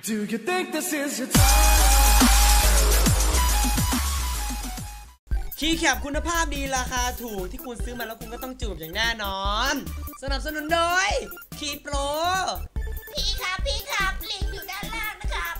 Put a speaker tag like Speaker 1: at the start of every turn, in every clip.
Speaker 1: Do you think this is your time
Speaker 2: คีย์แคปคุณภาพดีราคาถูกที่คุณซื้อมาแล้วคุณก็ต้องจูบอย่างแน่นอนสนับสนุนโดยคีย์โปร
Speaker 3: พี่ครับลิงก์อยู่ด้านล่างนะครับ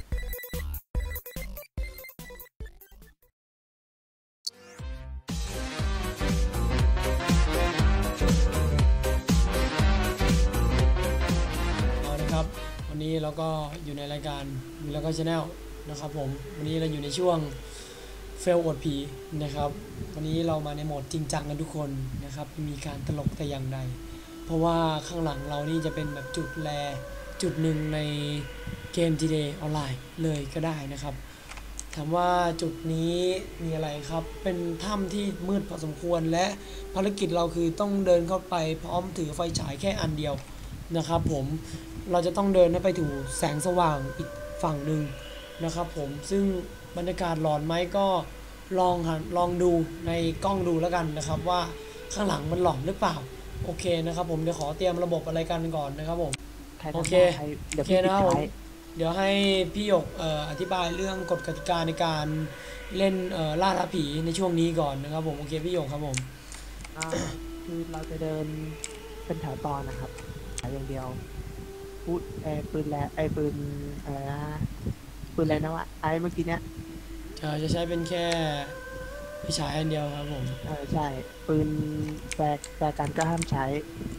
Speaker 4: เอาละครับวันนี้เราก็อยู่ในรายการแล้วก็ชาแนลนะครับผมวันนี้เราอยู่ในช่วงเฟลอดผีนะครับวันนี้เรามาในโหมดจริงจังกันทุกคนนะครับไม่มีการตลกแต่อย่างใดเพราะว่าข้างหลังเรานี่จะเป็นแบบจุดแลจุดหนึ่งในเกม GTA ออนไลน์เลยก็ได้นะครับถามว่าจุดนี้มีอะไรครับเป็นถ้ำที่มืดพอสมควรและภารกิจเราคือต้องเดินเข้าไปพร้อมถือไฟฉายแค่อันเดียวนะครับผมเราจะต้องเดินไปถึงแสงสว่างอีกฝั่งหนึ่งนะครับผมซึ่งบรรยากาศหลอนไหมก็ลองดูในกล้องดูแล้วกันนะครับว่าข้างหลังมันหลอนหรือเปล่าโอเคนะครับผมเดี๋ยวขอเตรียมระบบอะไรกันก่อนนะครับผมโอเคนะครับผมเดี๋ยวให้พี่หยกอธิบายเรื่องกฎกติกาในการเล่นล่าท้าผีในช่วงนี้ก่อนนะครับผมโอเคพี่หยกครับผม
Speaker 5: คือเราจะเดินเป็นแถวตอนนะครับอย่างเดียวพูดปืนแล้วปืนอะไรนะปืนอะไรนะวะเมื่อกี้เนี้ย
Speaker 4: จะใช้เป็นแค่ไฟฉายอันเดียวครับผม
Speaker 5: ใช่ปืนแฟร์กันก็ห้ามใช้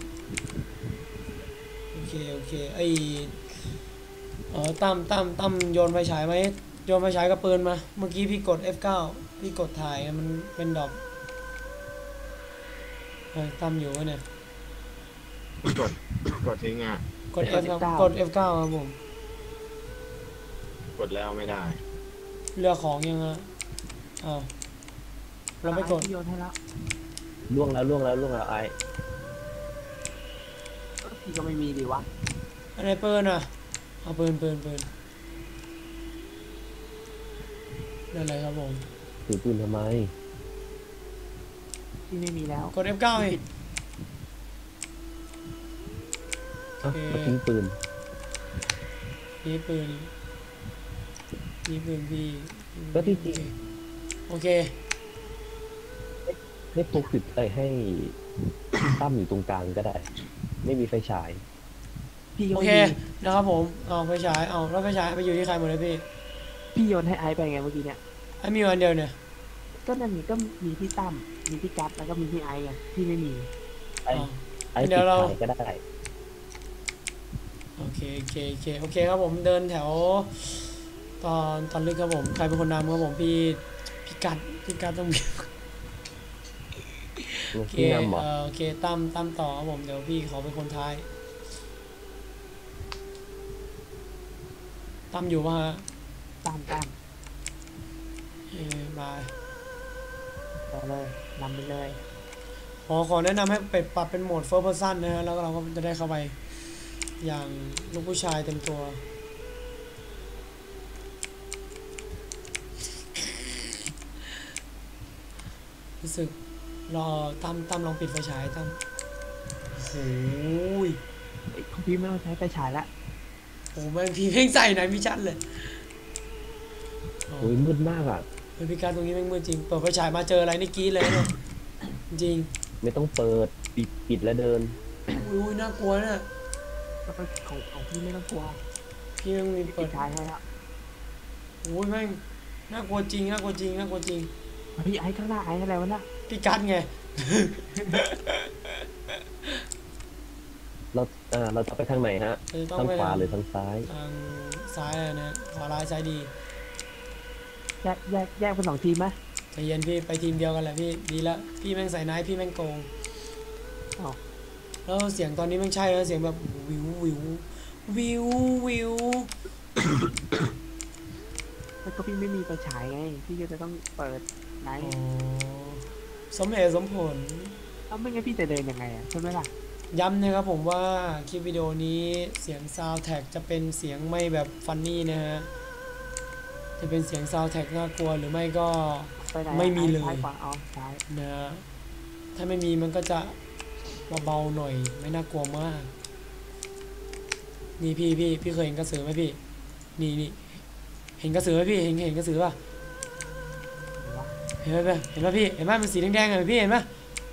Speaker 4: โอเคไอตั้มโยนไฟฉายไหมโยนไฟฉายกับปืนมาเมื่อกี้พี่กด F9 พี่กดถ่ายมันเป็นดอกตั้มอยู่วะเนี่ย
Speaker 6: กดทิ้งอ่ะ
Speaker 4: กด F กด F9 ครับผม
Speaker 6: กดแล้วไม่ได้
Speaker 4: เรือของยังอ่ะเราไม่กด
Speaker 5: โยนให้แล้ว
Speaker 7: ล่วงแล้วไอ้
Speaker 5: พี่ก็ไม่มีดีวะ
Speaker 4: อะไรปืนอ่ะเอาปืนนั่นอะไรครับผม
Speaker 7: ถือปืนทำไม
Speaker 5: พี่ไม่มีแล้ว
Speaker 4: กด F9 ไง
Speaker 7: ทิ้งปืน
Speaker 4: นี่ปืนพี่
Speaker 7: ก็ที่จริง
Speaker 4: โอเค
Speaker 7: ให้พกติดไปให้ตั้มอยู่ตรงกลางก็ได้ไม่มีไฟฉาย
Speaker 4: โอเคนะครับผมเอาไฟฉายแล้วไฟฉายไปอยู่ที่ใครหมดเลย
Speaker 5: พี่โยนให้ไอซ์ไปไงเมื่อกี้เนี่ย
Speaker 4: ไอซ์มีวันเดียวเนี่ย
Speaker 5: ก็นั่นนี่ก็มีพี่ตั้มมีพี่กั๊บแล้วก็มีพี่ไอซ์ไงพี่ไม่มี
Speaker 7: ไอซ์เดี๋ยวเราก็ได้
Speaker 4: โอเคครับผมเดินแถวตอนลึกครับผมใครเป็นคนนำครับผมพี่กัดต้องมีโอเคตั้มต่อครับผมเดี๋ยวพี่ขอเป็นคนท้ายตั้มอยู่ป่ะฮะ
Speaker 5: ตั้ม
Speaker 4: บาย
Speaker 5: ต่อเลยนำไปเลย
Speaker 4: ขอแนะนำให้ไปปรับเป็นโหมด first person นะฮะแล้วเราก็จะได้เข้าไปอย่างลูกผู้ชายเต็มตัวรู้สึกรอตั้มลองปิดไฟฉายตั้มโอ้ย
Speaker 5: ของพี่ไม่ต้องใช้ไฟฉายละ
Speaker 4: โอ้แม่งพี่เพ่งใส่ไหนพี่ชัดเลย
Speaker 7: โอ้ยมืดมากอ่ะ
Speaker 4: พี่การตรงนี้แม่งมืดจริงเปิดไฟฉายมาเจออะไรนี่กี้เลยเนี่ยจริง
Speaker 7: ไม่ต้องเปิดปิดแล้วเดิน
Speaker 4: อุ้ยน่ากลัวเนี่ย
Speaker 5: ของพี่ไม่ต้องกลัว
Speaker 4: พี่ยังมีเปิด
Speaker 5: ท้ายให้แล้ว
Speaker 4: โอ้ยแม่งน่ากลัวจริง
Speaker 5: พี่ไอ้ข้างหน้าไอ้อะไรวะน่ะ
Speaker 4: พี่กัดไง
Speaker 7: เราจะไปทางไหนฮะทางขวาหรือทางซ้าย
Speaker 4: ทางซ้ายเลยนะขวาร้ายซ้ายดี
Speaker 5: แยกเป็น2 ทีมไหม
Speaker 4: ใจเย็นพี่ไปทีมเดียวกันแหละพี่ดีแล้วพี่แม่งใส่นายพี่แม่งโกงแล้วเสียงตอนนี้แม่งใช่แล้วเสียงแบบวิว
Speaker 5: แล้วก็พี่ไม่มีไฟฉายไงพี่ก็จะต้องเปิดไนท์
Speaker 4: สมเหตุสมผล
Speaker 5: ไม่งั้นพี่จะเดินยังไงใช่ไหมล่ะ
Speaker 4: ย้ำนะครับผมว่าคลิปวิดีโอนี้เสียงซาวด์แท็กจะเป็นเสียงไม่แบบฟันนี่นะฮะจะเป็นเสียงซาวด์แท็กน่ากลัวหรือไม่ก็ไม่มีเลยนะถ้าไม่มีมันก็จะเบาๆหน่อยไม่น่ากลัวมากนี่พี่เคยเห็นกระสือไหมพี่นี่เห็นกระสือไหมพี่เห็นกระสือป่ะเห็นไหมพี่เห็นไหมมันสีแดงๆอะพี่เห็นไหม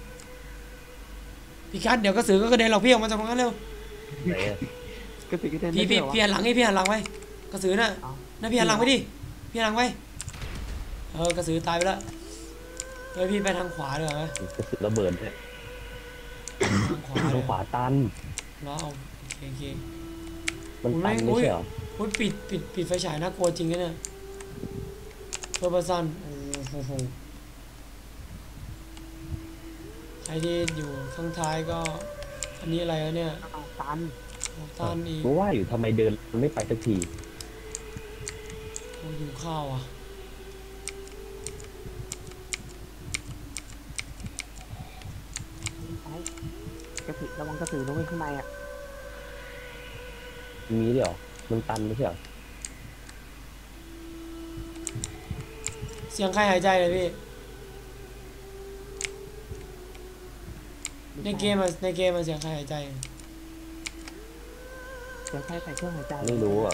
Speaker 4: พี่คัทเดี๋ยวกระสือก็กระเด็นหรอกพี่ออกมาจากตรงนั้นเร็ว
Speaker 7: ไหนอะ
Speaker 5: กระสือกระเด็น
Speaker 4: พี่
Speaker 5: ได้ด้วยเหรอ
Speaker 4: หันหลังให้พี่หันหลังไว้กระสือน่ะ
Speaker 5: เอา
Speaker 4: น่ะพี่หันหลังไปดิพี่หันหลังไว้กระสือตายไปแล้วเฮ้ยพี่ไปทางขวาดีกว่าไหม
Speaker 7: กระสือระเบิดเนี่ย
Speaker 4: ทางขวา
Speaker 7: ทา
Speaker 4: เล
Speaker 7: ง
Speaker 4: ย
Speaker 7: ขวาตัน
Speaker 4: เนาะเอาโอเค
Speaker 7: มันตันไม่ใช่เหรอ
Speaker 4: พูดปิดไฟฉายน่ากลัวจริงนะเนี่ยเพื่อประสันโอ้โหใครที่อยู่ข้างท้ายก็อันนี้อะไรวะเนี่ย
Speaker 5: เอาตัน
Speaker 4: ต้านอีก
Speaker 7: เพราะว่าอยู่ทำไมเดินมันไม่ไปสักที
Speaker 4: โอ้อยู่ข้าวอ่ะ
Speaker 5: ไอ้กระสือระวังกระสือลงไปข้างในอ่ะ
Speaker 7: มีด้วยเหรอมันตันไม่ใช่เหรอ
Speaker 4: เสียงใครหายใจเลยพี่ในเกมมันเสียงใครหายใจ
Speaker 5: เดี๋ยวใช้ใส่เครื่องหายใจ
Speaker 7: ไม่รู้อ่ะ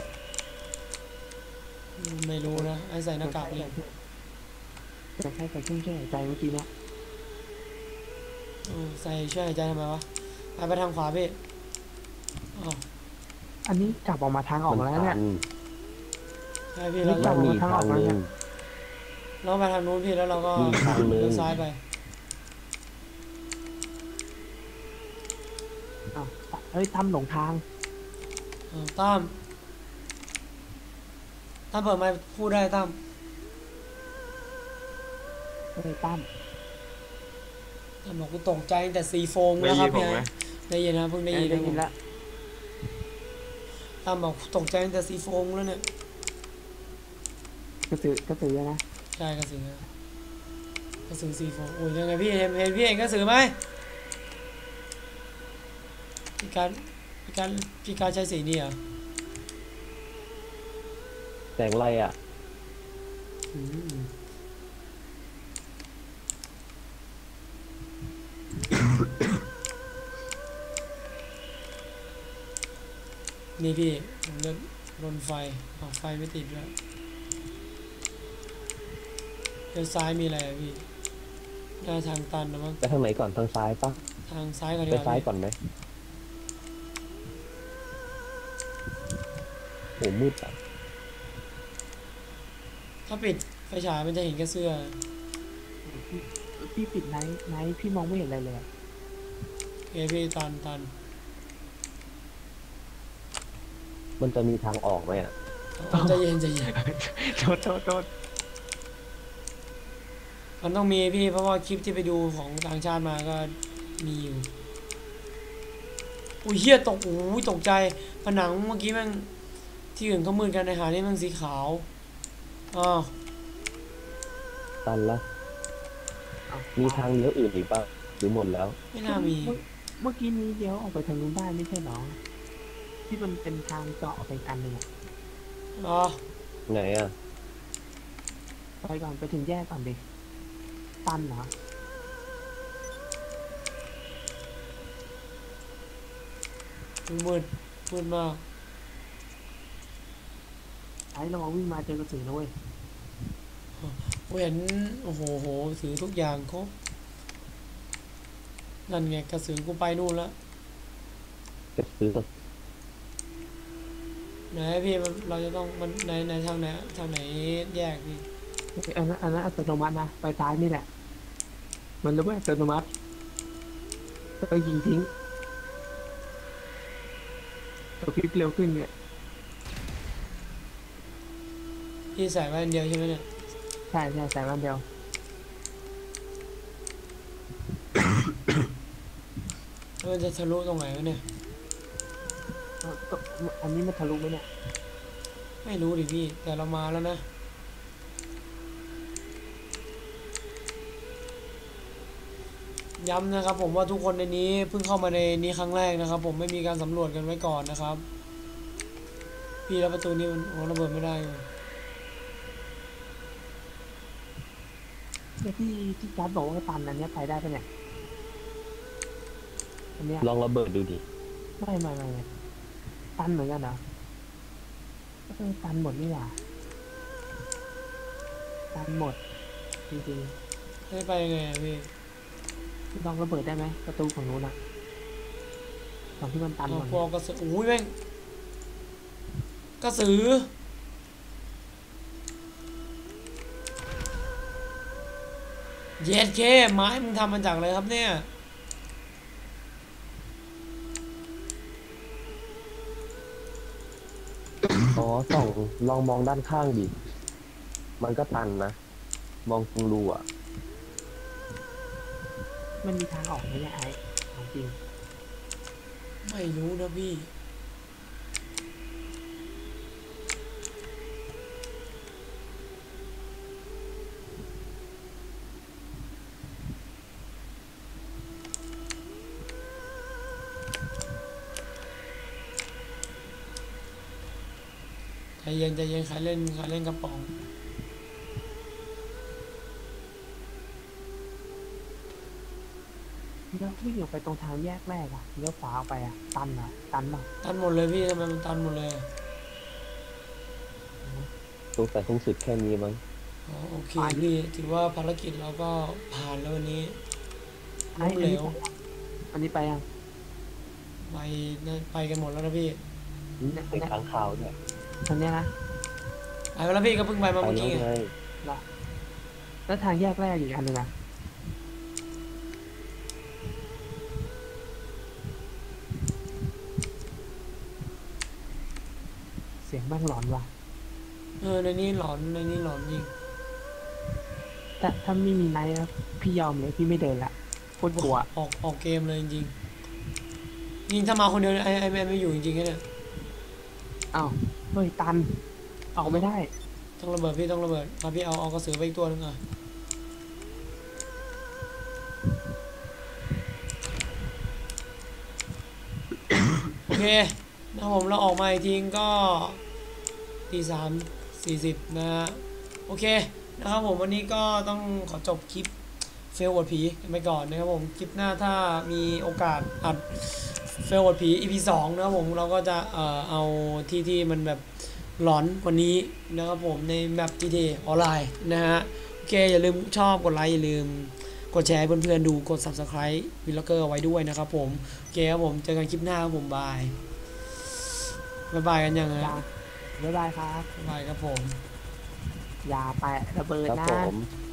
Speaker 4: ไม่รู้นะไอ้ใส่หน้ากากเลย
Speaker 5: เดี๋ยวใช้ใส่เครื่องช่วยหายใจเมื่อกี้เนี้ย
Speaker 4: ใส่ช่วยหายใจทำไมวะไปทางขวาพี่อ๋อ
Speaker 5: อันนี้กลับออกมาทางออก
Speaker 7: มั
Speaker 5: แล้ว
Speaker 7: ตั
Speaker 5: เนี่ย
Speaker 7: น
Speaker 4: ใช่พี่
Speaker 5: นี่
Speaker 4: แล้ว
Speaker 7: มันมีทางหนึ่ง
Speaker 4: เราไปทางนู้นพี่แล้วเราก็
Speaker 7: มีทางหนึ่ง
Speaker 4: เลี้ยวซ้ายไป
Speaker 5: อ้าวเฮ้ยทำหลงทาง
Speaker 4: ตั้มเปิดไมค์พูดได้ตั้ม
Speaker 5: เฮ้ยตั้ม
Speaker 4: บอกกูตกใจตั้งแต่ซีโฟมแล้วครับพี่ได้ยินนะเพิ่งได้ยิน
Speaker 5: ได้ยินแล้ว
Speaker 4: ตั้มบอกตกใจตั้งแต่ซีโฟมแล้วเนี่ย
Speaker 5: กระสือนะ
Speaker 4: ใช่กระสือซีโฟมโอ้ยยังไงพี่เห็นพี่เห็นกระสือไหมพี่การใช้สีนี่เหรอ
Speaker 7: แสงอะไรอ่ะ
Speaker 4: อืมนี่พี่ผมเดินรนไฟไฟไม่ติดแล้วเดี๋ยวซ้ายมีอะไรอะพี่หน้าทางตันนะมั้ง
Speaker 7: ไปทางไหนก่อนทางซ้ายปะ
Speaker 4: ทางซ้ายก่อนดี
Speaker 7: ไป
Speaker 4: กว่า
Speaker 7: ซ้าย
Speaker 4: พี่
Speaker 7: ก่อนไหมโอ้มืดอ่ะ
Speaker 4: ถ้าปิดไฟฉายมันจะเห็นแค่เสื้อ
Speaker 5: พี่ปิดไนท์พี่มองไม่เห็นอะไรเลยอะ
Speaker 4: เอยพี่ตัน
Speaker 7: มันจะมีทางออกไหมอ่ะ
Speaker 4: ใจเย็น
Speaker 5: โทษ
Speaker 4: มันต้องมีพี่เพราะว่าคลิปที่ไปดูของต่างชาติมาก็มีอยู่อุ้ยเฮียตกใจผนังเมื่อกี้แม่งที่อื่นเขามืดกันในหานี่มันสีขาวอ้าว
Speaker 7: ตันละมีทางเลี้ยวอื่นอีกป่ะหรือหมดแล้ว
Speaker 4: ไม่น่ามี
Speaker 5: เมื่อกี้นี้เดี๋ยวออกไปทางนู้นได้ไม่ใช่หรอที่มันเป็นทางเจาะไปอันหนึ่งอะ
Speaker 4: อ๋อ
Speaker 7: ไหนอ่ะ
Speaker 5: ไปก่อนไปถึงแยกก่อนดิตันเหรอ
Speaker 4: มืดมาก
Speaker 5: ไอ้ระวังวิ่งมาเจอกระสือนะเว้ย
Speaker 4: กูเห็นโอ้โหถือทุกอย่างครบนั่นไงกระสือกูไปนู่นแล้ว
Speaker 7: จะซื้อ
Speaker 4: ไหนพี่เราจะต้องมันในทางไหนแยกพี่
Speaker 5: อันนั้นอัตโนมัตินะไปซ้ายนี่แหละ มันรู้ว่าอัตโนมัติต้องยิงทิ้งตัวคลิปเร็วขึ้นเนี่ย
Speaker 4: พี่ใส่ไว้อันเดียวใช่ไหมเนี่ย
Speaker 5: ใช่ใส่วันเดียว
Speaker 4: แล้วมันจะทะลุตรงไหนวะเนี่ย
Speaker 5: อันนี้มันทะลุไหมเนี่ย
Speaker 4: ไม่รู้ดิพี่แต่เรามาแล้วนะย้ำนะครับผมว่าทุกคนในนี้เพิ่งเข้ามาในนี้ครั้งแรกนะครับผมไม่มีการสำรวจกันไว้ก่อนนะครับพี่แล้วประตูนี้มันระเบิดไม่ได้เลย
Speaker 5: เนี่ยที่จัดบอกว่าตันอันเนี้ยไปได้ปะเนี่ยอันเนี้ย
Speaker 7: ลองระเบิดดูดิ
Speaker 5: ไม่ตันเหมือนกันเหรอตันหมดนี่หว่าตันหมดจริง
Speaker 4: ให้ไปยังไงอะพี่
Speaker 5: ๆลองระเบิดได้ไหมประตูของนู้นอะตอนที่มันตันหม
Speaker 4: เอา
Speaker 5: ด
Speaker 4: พอกระสืออุ้ยแม่งกระสือเย็ดเคไม้มึงทำมาจากอะไรครับเนี่ย
Speaker 7: อ๋อส่องลองมองด้านข้างดิ มันก็ตันนะ มองตรงรูอ่ะ
Speaker 5: มันมีทางออกไหมเนี่ยไอ้ของจริง
Speaker 4: ไม่รู้นะพี่ใจเย็นใจเย็นใครเล่นกระป๋อง
Speaker 5: แล้ววิ่งออกไปตรงทางแยกแรกอะเลี้ยวขวาออกไปอะตันอะตันป่ะ
Speaker 4: ตันหมดเลยพี่ทำไมมันตันหมดเลยอะ
Speaker 7: สงสัยคงสุดแค่นี้มั้ง
Speaker 4: อ๋อโอเคพี่ถือว่าภารกิจเราก็ผ่านแล้ววันนี้
Speaker 5: ไอ้
Speaker 4: ล้มเหลว
Speaker 5: อันนี้ไปยัง
Speaker 4: ไปกันหมดแล้วนะพี่
Speaker 7: เป็นค้างคาวด้วย
Speaker 5: อันเนี้ยนะ
Speaker 4: ไปแล้วพี่ก็เพิ่งไปมา
Speaker 7: ไป
Speaker 4: เมื่อ
Speaker 7: แล้
Speaker 4: กี้
Speaker 7: ว
Speaker 4: ไง
Speaker 7: ไง
Speaker 5: แล้วทางแยกแรกอีกอันหนึงอะเสียงแม่งหลอนว่ะ
Speaker 4: ในนี้หลอนจริง
Speaker 5: แต่ถ้าไม่มีไนท์นะพี่ยอมเลยพี่ไม่เดินละโคตรกลัว
Speaker 4: ออกเกมเลยจริงๆยิงถ้ามาคนเดียวเนี่ยไอแมนไม่อยู่จริงๆนะเนี่ย
Speaker 5: อ้าวเฮ้ยตันออกไม่ได้
Speaker 4: ต้องระเบิดพี่ต้องระเบิดมาพี่เอากระสือไปอีกตัวหนึงอ่ะโอเคนะครับผมเราออกมาอีกทีก็3:40นะฮะโอเคนะครับผมวันนี้ก็ต้องขอจบคลิปเฟลอวดผีกันไปก่อนนะครับผมคลิปหน้าถ้ามีโอกาสอัดเฟลอวดผี EP 2นะครับผมเราก็จะเอาที่มันแบบหลอนกว่านี้นะครับผมในแมป GTA ออนไลน์นะฮะโอเคอย่าลืมชอบกดไลค์อย่าลืมกดแชร์ให้เพื่อนๆดูกด Subscribe วิลล็อกเกอร์ไว้ด้วยนะครับผมโอเคครับผมเจอกันคลิปหน้าครับผมบายกันยังไง
Speaker 5: อย่าบ๊ายบายครับ
Speaker 4: บายครับผม
Speaker 5: อย่าแปะระเบิด
Speaker 7: ครับ
Speaker 5: นะ
Speaker 7: ผม